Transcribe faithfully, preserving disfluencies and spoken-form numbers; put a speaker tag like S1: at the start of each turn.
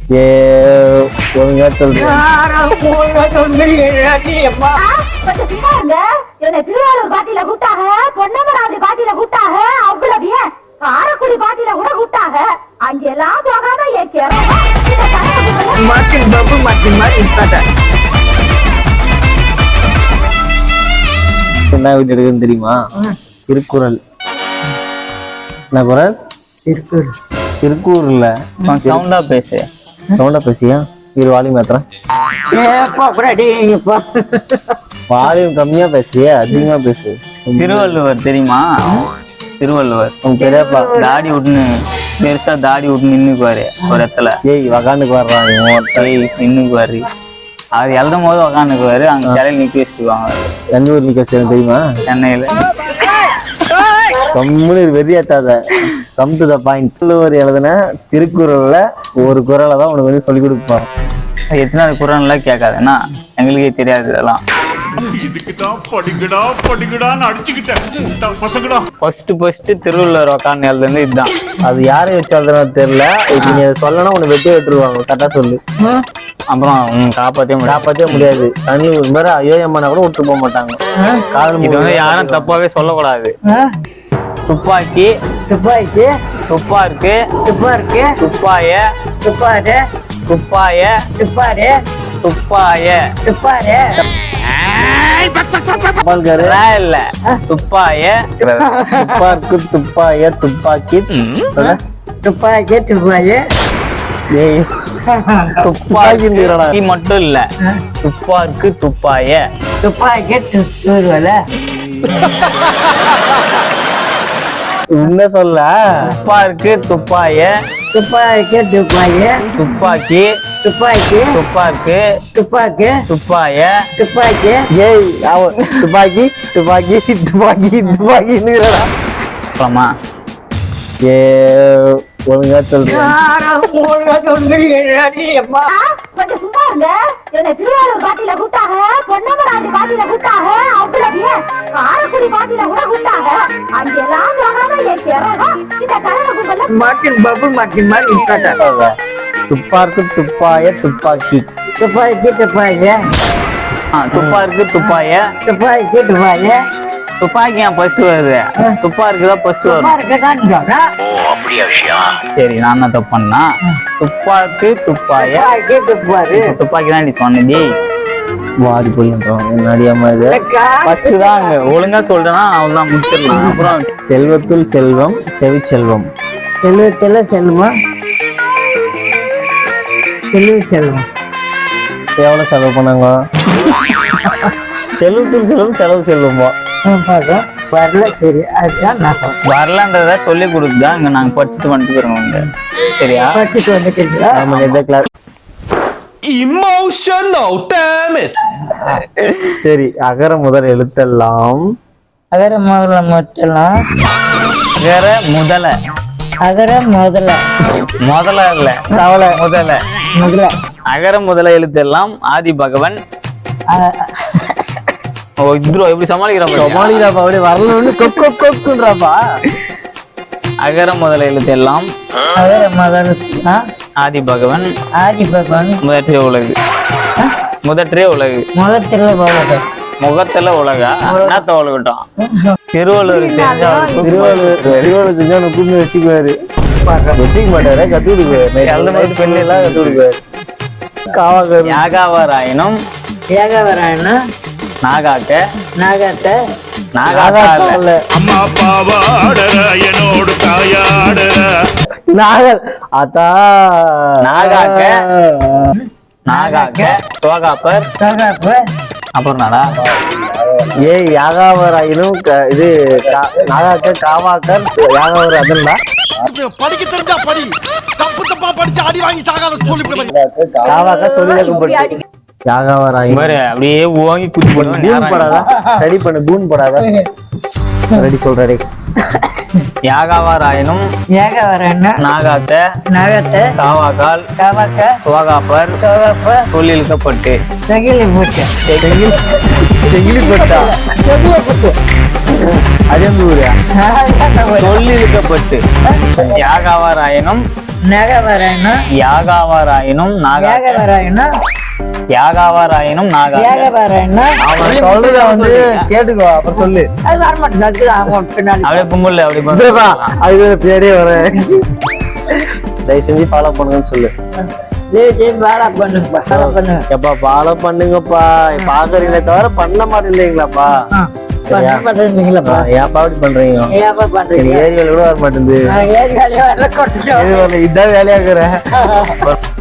S1: ஏ ஒழுங்கா சொல்றேன்.
S2: திருவாரூர் பாட்டியில கூட்டாக, பொன்னமராவதி பாட்டியில கூட்டாக, அவ்வளவு ஏன் காரக்குடி பாட்டியில கூட கூட்டாக. அங்கெல்லாம் போகாம
S3: மார்டின் பாபு மார்டின் மாதிரி
S1: என்ன வீட்டு எடுக்குன்னு தெரியுமா? திருக்குறள். என்ன குறள்?
S3: திருக்குறள்.
S1: திருக்கூர்ல
S4: சவுண்டா பேசு.
S1: சவுண்டா பேசியா? இரு வால்யூம் ஏத்துறேன். வால்யூம் கம்மியா பேசிய, அதிகமா பேசு.
S4: திருவள்ளுவர் தெரியுமா? திருவள்ளுவர்
S1: உங்க பெரியப்பா
S4: தாடி விட்டுன்னு பெருசா தாடி விட்டு நின்னுக்குவாரு ஒரு இடத்துல.
S1: ஏய் வகாண்டுக்கு வர்றான்
S4: நின்னுக்குவாரு. அது எழுதும் போது உக்காந்துக்குவாரு. அங்க சிலையில் நிக்க வச்சுக்குவாங்க.
S1: எந்த ஊர் நிக்க வச்சு தெரியுமா?
S4: சென்னையில.
S1: கம்முனு வெறியாத்தாத. Come to the point. Thiruvalluvar எழுதுன திருக்குறள்ல ஒரு குறளை தான் உனக்கு வந்து சொல்லி கொடுப்பான்.
S4: எத்தனாவது குரான்லாம் கேட்காதுன்னா எங்களுக்கே தெரியாது இதெல்லாம். ஃபர்ஸ்ட் ஃபர்ஸ்ட் திருவள்ளுவர் உக்காந்து எழுதுனது இதுதான்.
S1: அது யாரை வச்சு எழுதுனா தெரியல. இப்ப நீ சொல்லனா உன்னை வெட்டி விட்டுருவாங்க. கரெக்டா சொல்லு.
S4: அப்புறம் காப்பாற்றவே முடியாது.
S1: காப்பாற்றவே முடியாது. தண்ணி ஒரு மாதிரி ஐயோ அம்மானா கூட விட்டு போக மாட்டாங்க. காதல்
S4: இது வந்து யாரும் தப்பாவே சொல்லக்கூடாது. துப்பாக்கி
S3: துப்பாக்கி
S4: துப்பாருக்கு
S3: துப்பாருக்கு
S4: துப்பாய
S3: துப்பாரு
S4: துப்பாய
S3: துப்பாரு
S4: துப்பாய
S3: துப்பாரு
S1: பால்காரு
S4: இல்ல துப்பாய
S1: துப்பாக்கு துப்பாய துப்பாக்கி சொல்ல.
S3: துப்பாக்கி துப்பாரு
S1: ஏய் துப்பாக்கி
S4: துப்பாக்கி மட்டும் இல்ல, துப்பாக்கு துப்பாய
S3: துப்பாக்கி துப்பாரு
S1: என்ன சொல்ல?
S4: துப்பாருக்கு துப்பாய
S3: துப்பாக்கி துப்பாரு
S4: துப்பாக்கி
S3: துப்பாக்கி
S4: துப்பாக்கு
S3: துப்பாக்கி
S4: துப்பாய
S3: துப்பாக்கி
S1: ஏய் அவன் துப்பாக்கி துப்பாக்கி துப்பாக்கி துப்பாக்கின்னுறா.
S4: அப்புறமா
S1: ஏ ஒழுங்கா சொல்றேன்.
S2: கொஞ்சம் சும்மா இருங்க. என்ன திருவாரூர் பாட்டியில கூட்டாக, பொன்னமராவதி பாட்டியில கூட்டாக, அவ்வளவு ஏன் காரக்குடி பாட்டியில கூட கூட்டாக. அங்கெல்லாம் போகாம இந்த கரக கும்பல
S3: மார்டின் பாபு மார்டின் மாதிரி
S1: துப்பாக்கு துப்பாய துப்பாக்கி
S3: துப்பாக்கி துப்பாக்கி
S4: துப்பாருக்கு துப்பாய
S3: துப்பாக்கி துப்பாக்கி
S4: துப்பாக்கி ஏன் ஃபர்ஸ்ட் வருது? துப்பாருக்கு தான் ஃபர்ஸ்ட் வரும். சரி நான் என்ன தப்பு பண்ணா? துப்பாக்கு துப்பாய
S3: துப்பாரு
S4: துப்பாக்கி தான் நீ சொன்னி.
S1: வாடி போயின்றோம். என்னடியாம இது
S4: ஃபர்ஸ்ட் தான் அங்க ஒழுங்கா சொல்றேன்னா அவன் தான் முடிச்சிடலாம். அப்புறம்
S1: செல்வத்துள் செல்வம் செவி செல்வம்.
S3: செல்வத்துல செல்வம் செல்வ செல்வம்
S1: எவ்வளவு செலவு பண்ணாங்க? செல்வத்துள் செல்வம் செலவு செல்வமா?
S3: வரல சரி அதுதான் நான்
S4: வரலன்றத சொல்லி கொடுத்துதான் இங்க நாங்க படிச்சுட்டு வந்துட்டு போறோம். சரியா?
S3: படிச்சுட்டு வந்துட்டீங்களா?
S1: நம்ம எந்த கிளாஸ்?
S5: Emotional damn it.
S1: சரி அகர முதல் எழுத்தெல்லாம்
S3: அகர முதல மட்டும்லாம்
S4: அகர முதல
S3: அகர முதல
S4: முதல இல்ல தவளை முதல
S3: முதல
S4: அகர முதல எழுத்தெல்லாம் ஆதி பகவன். ஓ இத்ரோ எப்படி சமாளிக்கிறப்ப
S1: சமாளிக்கிறாப்பா. அப்படியே வரலன்னு கொக் கொக் கொக்குன்றாப்பா.
S4: அகர முதல எழுத்தெல்லாம்
S3: அகர முதல
S4: ஆதி பகவன்
S3: ஆதி பகவான்
S4: முதற்றே உலகு. முதற்றே உலகு
S3: முதத்துல போகட்டும்
S4: முகத்துல உலகா என்னத்த உலகட்டும். திருவள்ளுவர் தெரிஞ்சா
S1: திருவள்ளுவர் திருவள்ளுவர் செஞ்சா கூப்பிட்டு வச்சுக்குவாரு. வச்சுக்க மாட்டாரு. கத்து கொடுக்குவாரு. பெண்ணு எல்லாம் கத்து கொடுக்குவாரு. காவாக்கர்
S4: யாகாவராயனும்
S3: ஏகவராயனா
S4: நாகாக்க
S3: நாகத்த
S4: நாகாக்க இல்ல
S5: அம்மா பாவாடற என்னோடு தாயாடற
S1: நாகல் அதா
S4: நாகாக்க நாகாக்க சோகாப்பர்
S3: சோகாப்ப
S4: அப்புறம் நாடா
S1: ஏய் யாகாவராயினும் இது நாகாக்க காவாக்கர் யாகாவர் அதன்டா.
S5: படிக்க தெரிஞ்சா படி. தப்பு தப்பா படிச்சு அடி வாங்கி சாகாத சொல்லிவிட.
S1: காவாக்க சொல்லி யாகாவராயின்
S4: பாரு அப்படியே ஓங்கி குத்தி போடுவேன்.
S1: கூன் போடாதா? ரெடி பண்ணு கூன் போடாதா? ரெடி சொல்றே.
S4: யாகாவராயனும்
S3: ஏகவராயனா
S4: நாகாத்த
S3: நாகத்த
S4: காவாக்கால்
S3: காவாக்க
S4: சோகாப்பர்
S3: சோகாப்ப
S4: சொல்லிழுக்கப்பட்டு
S3: செகிலி போட்டு
S1: செகிலி போட்டா
S3: செகிலி போட்டு
S1: அதே ஊரா
S4: சொல்லிழுக்கப்பட்டு யாகாவராயனும்
S3: நகவரணும்
S4: யாகாவாராயினும் நாகா
S3: ஏகவரணும்
S4: யாகாவாராயினும் நாகா
S3: ஏகவரணும்
S1: அவன் சொல்றத வந்து கேட்டுக்கோ அப்புறம் சொல்லு.
S3: அது வரமாட்டேன் அவங்க பின்னாடி
S4: அப்படியே கும்பல் அப்படி
S1: இதுப்பா,
S4: கும்பல்.
S1: அது பேரே வரேன். தயவு செஞ்சு ஃபாலோ பண்ணுங்கன்னு சொல்லு.
S3: ஜெய் ஜெய் வேலை பண்ணுங்க வேலை பண்ணுங்க
S1: எப்பா ஃபாலோ பண்ணுங்கப்பா. பாக்குறீங்களே தவிர பண்ண மாட்டேங்கிறீங்களாப்பா.
S3: பண்ண மாட்டேங்களா
S1: ஏன்ப்பா அப்படி பண்றீங்க?
S3: ஏன் பண்றீங்க
S1: ஏரியால கூட வர மாட்டேங்குது.
S3: ஏரியாலே வரல கொண்டு
S1: இது வரல, இதான் வேலையாக்குறேன்.